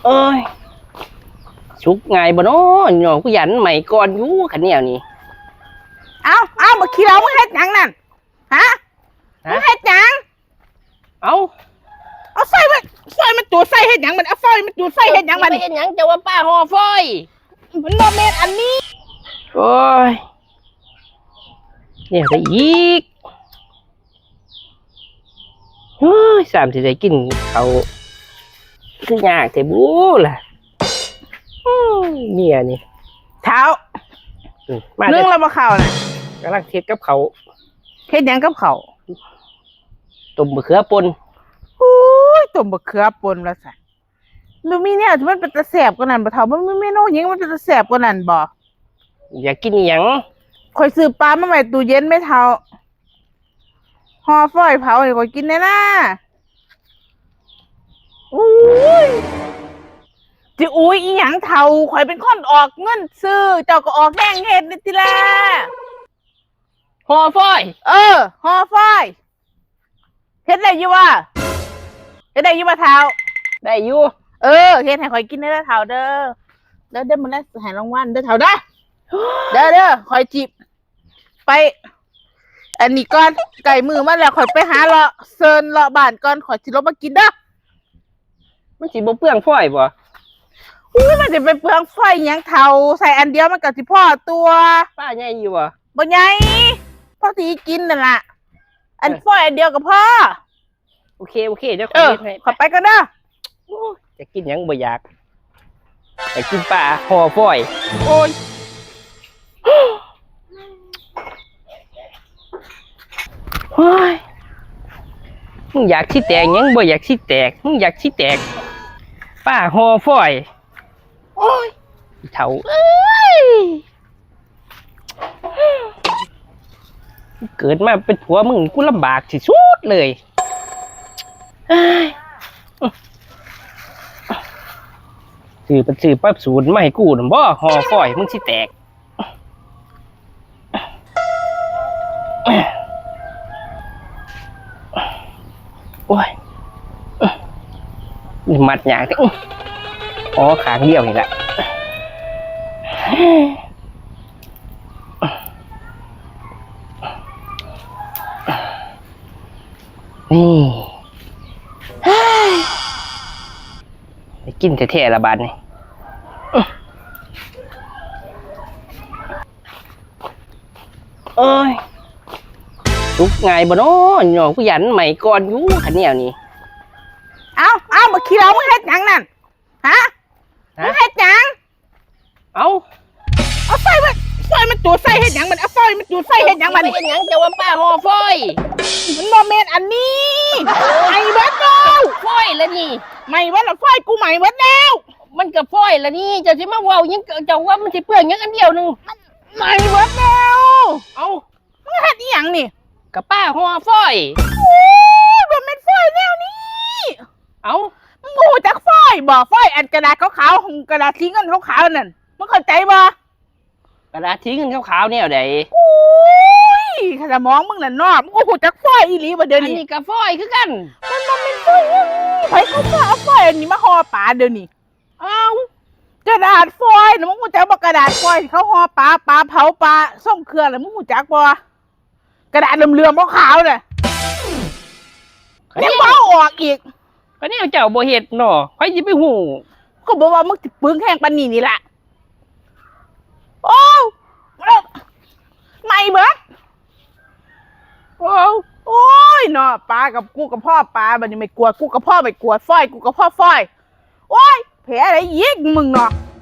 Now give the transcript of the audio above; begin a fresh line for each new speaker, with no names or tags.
เอ้ยชุกไงบ่เนาะหน่อกูยันใหม่ก่อนอยู่ขันเหนียวนี่
เอามาขี้เรามึงเฮ็ดหยังนั่นฮะมึงเฮ็ดหยัง
เอา
ไฟมันจูดไฟเฮ็ดหยังมันเอาไฟมันจูดไฟเฮ็ดหยังมัน
เฮ็ดหยังจะว่าป้าห่อฟอย
มันโมเมนต์อันนี้
โอ้ยเนี่ยไปอีกเฮ้ยสามสิได้กินเขาคือยากแต่บูล่ะเมียนี่
เท้า
มา
นึ่งแล้วมาเข่าน่ะ
กำลังเทศกับเขา
เฮ็ดหยังกับเขา
ต้มมะเขือป่น
ต้มมะเขือป่นแล้วสิมันมีเนี่ยมันเป็นตะแสบกว่านั้นบ่เท่ามันมีเมนูหยังมันเป็นตะแสบกว่านั้นบ่
อยากกินหยัง
ข่อยซื้อปลามาไว้ตู้เย็นไม่เท่าห่อฝอยเผาให้ข่อยกินได้นะจิอุ้ยอีหยังเท่าข่อยเป็นคนออกเงินซื้อเจ้าก็ออกแดงเฮ็ดนี่ติล่ะ
ห่อฟอย
ห่อฝอยเฮ็ดได้อยู่วะเฮ็ดได้อยู่บ่เท่า
ได้อยู่
เฮ็ดให้ข่อยกินได้เท่าเด้อแล้วเด้อมื้อนี้ให้รางวัลเด้อเท่าเด้อเด้อข่อยจิบไปอันนี้ก่อนไก่มือมาแล้วข่อยไปหาเลาะเซินเลาะบ้านก่อนข่อยสิลงมากินเด้อ
มันสิบ่เปลืองฟอยบ่
มันจะไปเปลืองไฟหยังเท่าใส่อันเดียวมันก็สิพอตัว
ป้าใหญ่อยู่
บ่ใหญ่พอสิกินนั่นล่ะอันไฟอันเดียวก็พอ
โอเคเดี๋ยวขอให้
ขอไปก่อนเด้อ
จะกินหยังบ่อยากไปกินปลาห่อฟอย
โอ้ย
เฮ้ยมึงอยากชี้แตกยังบ่อยากชี้แตกมึงอยากชี้แตกป้าห่อฟอย
โอ้ย
เถ่าเกิดมาเป็นผัวมึงกูลำบากที่สุดเลยสื่อปั๊บศูนย์ไม่ให้กูหรือบ่ห่อฟอยมึงชี้แตกโอ้ยมัดหยางที่ขางเดียวนี่แหละนี่ไปกินแท้ๆละบาทนี่เอ้ยลุกไงบ่เนาะหน่อกูยันใหม่ก่อนอยู่ขันเหนียวนี่
เอามาขี้เรามึงเฮ็ดหยังนั่นฮะมึงเฮ็ดหยัง
เอา
ไฟมันจูดไฟเฮ็ดหยังมันเอาไฟมันจูดไฟเฮ็ดหยังมัน
เฮ็ดหยังจะว่าป้าห่อฟอย
มันโมเมนต์อันนี้ไม่เบิดแล้ว
ฟอยแล้วนี่
ไม่เบิดแล้วไฟกูใหม่เบิดแล้ว
มันกับฟอยแล้วนี่จะสิมาเว้ายังเจ้าว่ามันสิเปลืองยังอันเดียวนึง
ไม่เบิดแล้ว
เอา
มึงเฮ็ดอีหยังนี่
กับป้าห่อฟอย
มันเป็นไฟแนวนี้
เอา
มึงหูจักไฟบ่ไฟอันกระดาษขาวๆกระดาษสีเงินขาวๆนั่นมึงเข้าใจบ่
กระดาษทิ้งกันขาวๆเนี่ยเดี๋ยว
ข้าจะมองมึงน่ะนอกมึงหูจักไฟอีหลีบ่เดี๋ยวนี้
อันนี้กับฟอยคือกัน
มันเป็นไฟไฟเขาเอาไฟอันนี้มาห่อปลาเดี๋ยวนี้
เอา
กระดาษฟอยนะมึงหูจักบ่กระดาษฟอยเขาห่อปลาเผาปลาส่งเครื่องแล้วมึงหูจักบ่กระดาษเหลื่อมๆขาวๆน่ะยังบ่ออกอีก
ก็เนี่ยเจ้าบ่เฮ็ดเนาะใครสิไปฮู้
ก็บอกว่ามึงสิปึ้งแห้งปานนี้นี่ล่ะโอ้ไม่เบิดโอ้ยเนาะปลากับกูกับพ่อปลาบัดนี้ไม่กลัวกูกับพ่อไม่กลัวฝ้อยกูกับพ่อฝ้อยโอ้ยแผลอะไรยิกมึงเนาะ